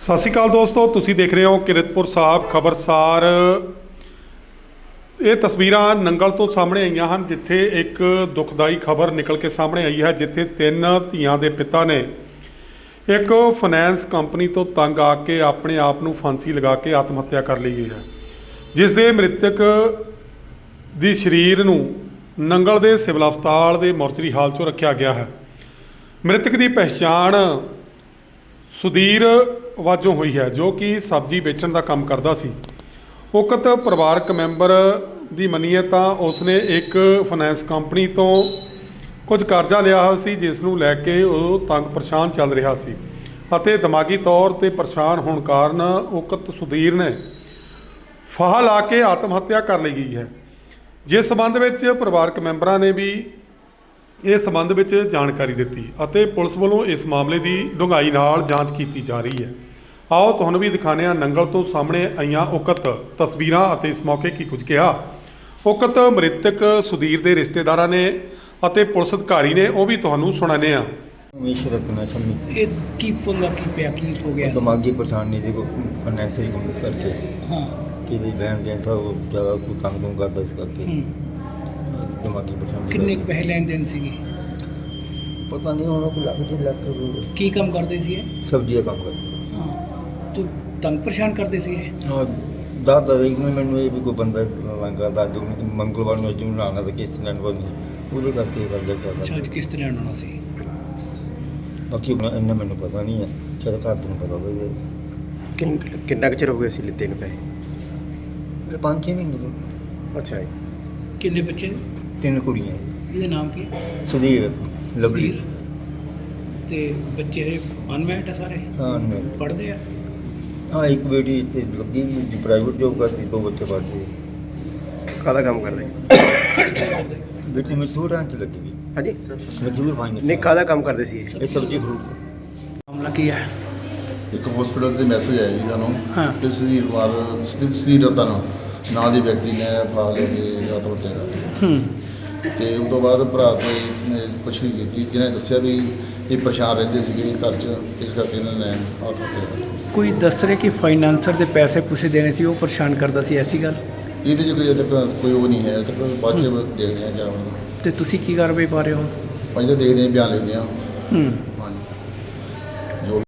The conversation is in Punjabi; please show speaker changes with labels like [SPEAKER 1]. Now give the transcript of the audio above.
[SPEAKER 1] ਸਤਿ ਸ਼੍ਰੀ ਅਕਾਲ ਦੋਸਤੋ, ਤੁਸੀਂ ਦੇਖ ਰਹੇ ਹੋ ਕਿਰਤਪੁਰ ਸਾਹਿਬ ਖਬਰਸਾਰ। ਇਹ ਤਸਵੀਰਾਂ ਨੰਗਲ ਤੋਂ ਸਾਹਮਣੇ ਆਈਆਂ ਹਨ, ਜਿੱਥੇ ਇੱਕ ਦੁਖਦਾਈ ਖਬਰ ਨਿਕਲ ਕੇ ਸਾਹਮਣੇ ਆਈ ਹੈ, ਜਿੱਥੇ 3 ਧੀਆਂ ਦੇ ਪਿਤਾ ਨੇ ਇੱਕ ਫਾਈਨੈਂਸ ਕੰਪਨੀ ਤੋਂ ਤੰਗ ਆ ਕੇ ਆਪਣੇ ਆਪ ਨੂੰ ਫਾਂਸੀ ਲਗਾ ਕੇ ਆਤਮ ਹੱਤਿਆ ਕਰ ਲਈ ਹੈ, ਜਿਸ ਦੇ ਮ੍ਰਿਤਕ ਦੀ ਸਰੀਰ ਨੂੰ ਨੰਗਲ ਦੇ ਸਿਵਲ ਹਸਪਤਾਲ ਦੇ ਮੋਰਚਰੀ ਹਾਲ 'ਚੋਂ ਰੱਖਿਆ ਗਿਆ ਹੈ। ਮ੍ਰਿਤਕ ਦੀ ਪਹਿਚਾਣ ਸੁਧੀਰ ਵਜੋਂ ਹੋਈ ਹੈ, ਜੋ ਕਿ ਸਬਜ਼ੀ ਵੇਚਣ ਦਾ ਕੰਮ ਕਰਦਾ ਸੀ। ਉਕਤ ਪਰਿਵਾਰਕ ਮੈਂਬਰ ਦੀ ਮੰਨੀਏ ਤਾਂ ਉਸਨੇ ਇੱਕ ਫਾਈਨੈਂਸ ਕੰਪਨੀ ਤੋਂ ਕੁਝ ਕਰਜ਼ਾ ਲਿਆ ਹੋਇਆ ਸੀ, ਜਿਸ ਨੂੰ ਲੈ ਕੇ ਉਹ ਤੰਗ ਪਰੇਸ਼ਾਨ ਚੱਲ ਰਿਹਾ ਸੀ ਅਤੇ ਦਿਮਾਗੀ ਤੌਰ 'ਤੇ ਪਰੇਸ਼ਾਨ ਹੋਣ ਕਾਰਨ ਉਕਤ ਸੁਧੀਰ ਨੇ ਫਾਹਾ ਲਾ ਕੇ ਆਤਮ ਹੱਤਿਆ ਕਰ ਲਈ ਗਈ ਹੈ। ਜਿਸ ਸੰਬੰਧ ਵਿੱਚ ਪਰਿਵਾਰਕ ਮੈਂਬਰਾਂ ਨੇ ਵੀ ਇਸ ਸੰਬੰਧ ਵਿੱਚ ਜਾਣਕਾਰੀ ਦਿੱਤੀ ਅਤੇ ਪੁਲਿਸ ਵੱਲੋਂ ਇਸ ਮਾਮਲੇ ਦੀ ਡੂੰਘਾਈ ਨਾਲ ਜਾਂਚ ਕੀਤੀ ਜਾ ਰਹੀ ਹੈ। ਆਓ ਤੁਹਾਨੂੰ ਵੀ ਦਿਖਾਉਂਦੇ ਹਾਂ ਨੰਗਲ ਤੋਂ ਸਾਹਮਣੇ ਆਈਆਂ ਉਕਤ ਤਸਵੀਰਾਂ ਅਤੇ ਇਸ ਮੌਕੇ ਕੀ ਕੁਝ ਕਿਹਾ ਉਕਤ ਮ੍ਰਿਤਕ ਸੁਧੀਰ ਦੇ ਰਿਸ਼ਤੇਦਾਰਾਂ ਨੇ ਅਤੇ ਪੁਲਿਸ ਅਧਿਕਾਰੀ ਨੇ, ਉਹ ਵੀ ਤੁਹਾਨੂੰ ਸੁਣਾਉਂਦੇ ਹਾਂ।
[SPEAKER 2] ਇਹ ਕੀ ਪੁੱਲਾ ਕੀ ਪਿਆ ਕੀ ਹੋ ਗਿਆ?
[SPEAKER 3] ਦਿਮਾਗੀ ਪਰੇਸ਼ਾਨੀ ਦੀ ਫਾਈਨੈਂਸ਼ੀਅਲ ਕੰਮ ਕਰਕੇ
[SPEAKER 2] ਹਾਂ
[SPEAKER 3] ਕਿ ਦੀ ਲੈਣ ਦੇਣ ਤਾਂ ਉਹ ਜ਼ਿਆਦਾ ਕੋਈ ਤੰਗ ਨੂੰ ਕਰਦਾ, ਇਸ ਕਰਕੇ ਦਿਮਾਗੀ ਪਰੇਸ਼ਾਨੀ।
[SPEAKER 2] ਕਿੰਨੇ ਕੁ ਪੈਸੇ ਲੈਣ ਦੇਣ ਸੀਗੇ?
[SPEAKER 3] ਪਤਾ ਨਹੀਂ ਉਹਨਾਂ ਕੋਲ ਲੱਖ 2 ਲੱਖ ਰੁਪਏ।
[SPEAKER 2] ਕੀ ਕੰਮ ਕਰਦੇ ਸੀ ਇਹ?
[SPEAKER 3] ਸਬਜ਼ੀ ਦਾ ਕੰਮ ਕਰਦੇ।
[SPEAKER 2] ਹਾਂ ਤੂੰ ਤੰਗ ਪਰੇਸ਼ਾਨ ਕਰਦੇ ਸੀ ਇਹ?
[SPEAKER 3] ਹਾਂ ਦਾਦਾ ਇੱਕ ਮੈਨੂੰ ਇਹ ਵੀ ਕੋਈ ਬੰਦਾ ਲੰਗਾ ਦਾਦੂ ਮੰਗਲਵਾਰ ਨੂੰ ਅੱਜ ਨੂੰ ਆਉਣਾ ਤਾਂ ਕਿਸ ਲੈਣ ਵਾਲੀ ਉਹਦੇ ਕਰਕੇ ਕਰਦਾ
[SPEAKER 2] ਅੱਛਾ,
[SPEAKER 3] ਚੱਲਦਾ।
[SPEAKER 2] ਅੱਜ ਕਿਸ ਤਰ੍ਹਾਂ ਆਉਣਾ ਸੀ?
[SPEAKER 3] ਬਾਕੀ ਇੰਨਾ ਮੈਨੂੰ ਪਤਾ ਨਹੀਂ ਹੈ, ਚਲ ਘਰ ਨੂੰ ਪਤਾ ਹੋਵੇ।
[SPEAKER 4] ਕਿੰਨਾ ਕੁ ਚਿਰ ਹੋ ਗਿਆ ਸੀ ਲਿੱਤੇ ਨੂੰ ਪੈਸੇ?
[SPEAKER 3] 5-6 ਮਹੀਨੇ ਤੋਂ।
[SPEAKER 4] ਅੱਛਾ ਜੀ।
[SPEAKER 2] ਕਿੰਨੇ ਬੱਚੇ?
[SPEAKER 3] 3 ਕੁੜੀਆਂ।
[SPEAKER 2] ਇਹਦਾ ਨਾਮ ਕੀ?
[SPEAKER 3] ਸੁਧੀਰ ਲਵਲੀ।
[SPEAKER 2] ਸੁਧੀਰ। ਤੇ ਬੱਚੇ ਅਨਮੈਰਿਡ ਆ ਸਾਰੇ?
[SPEAKER 3] ਹਾਂ ਮੈਂ
[SPEAKER 2] ਪੜ੍ਹਦੇ ਆ?
[SPEAKER 3] ਹਾਂ ਇੱਕ ਬੇਟੀ ਇੱਥੇ ਲੱਗੀ ਪ੍ਰਾਈਵੇਟ ਜੋਬ ਕਰਦੀ, 2 ਬੱਚੇ ਪੜ੍ਹਦੇ।
[SPEAKER 4] ਕਾਹਦਾ ਕੰਮ ਕਰਦੇ?
[SPEAKER 3] ਬੇਟੀ ਮਜ਼ਦੂਰਾਂ 'ਚ ਲੱਗੀ ਵੀ।
[SPEAKER 4] ਹਾਂਜੀ
[SPEAKER 3] ਮਜ਼ਦੂਰ ਭਾਈ
[SPEAKER 4] ਨਹੀਂ, ਕਾਹਦਾ ਕੰਮ ਕਰਦੇ ਸੀ?
[SPEAKER 3] ਇਹ ਸਬਜ਼ੀ ਫਰੂਟ।
[SPEAKER 2] ਮਾਮਲਾ ਕੀ ਹੈ?
[SPEAKER 5] ਇੱਕ ਹਸਪੀਟਲ ਦੇ ਮੈਸੇਜ ਆਇਆ ਜੀ ਸਾਨੂੰ
[SPEAKER 2] ਹਾਂ।
[SPEAKER 5] ਕਿ ਸੁਧੀਰ ਕੁਮਾਰ ਸੁਧੀਰ ਰਤਨ ਨਾਂ ਦੇ ਵਿਅਕਤੀ ਨੇ ਫਾ ਲੈ ਕੇ ਆਤਮ ਹੱਤਿਆ ਕਰ ਲਈ। ਤੇ ਉਸ ਤੋਂ ਬਾਅਦ ਭਰਾ ਤੋਂ ਪੁੱਛਗਿੱਛ ਕੀਤੀ, ਜਿਹਨੇ ਦੱਸਿਆ ਵੀ ਇਹ ਪਰੇਸ਼ਾਨ ਰਹਿੰਦੇ ਸੀਗੇ ਘਰ 'ਚ, ਇਸ ਕਰਕੇ ਇਹਨਾਂ ਨੇ ਆਤਮ ਹੱਤਿਆ ਕਰ ਲਈ।
[SPEAKER 2] ਕੋਈ ਦੱਸ ਰਿਹਾ ਕਿ ਫਾਈਨਾਂਸਰ ਦੇ ਪੈਸੇ ਪੂਸੇ ਦੇਣੇ ਸੀ, ਉਹ ਪਰੇਸ਼ਾਨ ਕਰਦਾ ਸੀ, ਐਸੀ ਗੱਲ?
[SPEAKER 5] ਇਹਦੇ 'ਚ ਕੋਈ ਅਜੇ ਤੱਕ ਕੋਈ ਉਹ ਨਹੀਂ ਹੈ, ਅਜੇ ਤੱਕ ਬਾਅਦ 'ਚ ਦੇਖਦੇ ਹਾਂ ਕਿਆ ਹੋਣਾ।
[SPEAKER 2] ਤੇ ਤੁਸੀਂ ਕੀ ਕਾਰਵਾਈ ਪਾ ਰਹੇ ਹੋ?
[SPEAKER 5] ਅਸੀਂ ਤਾਂ ਦੇਖਦੇ ਹਾਂ, ਬਿਆਨ ਲਿਖਦੇ ਹਾਂ।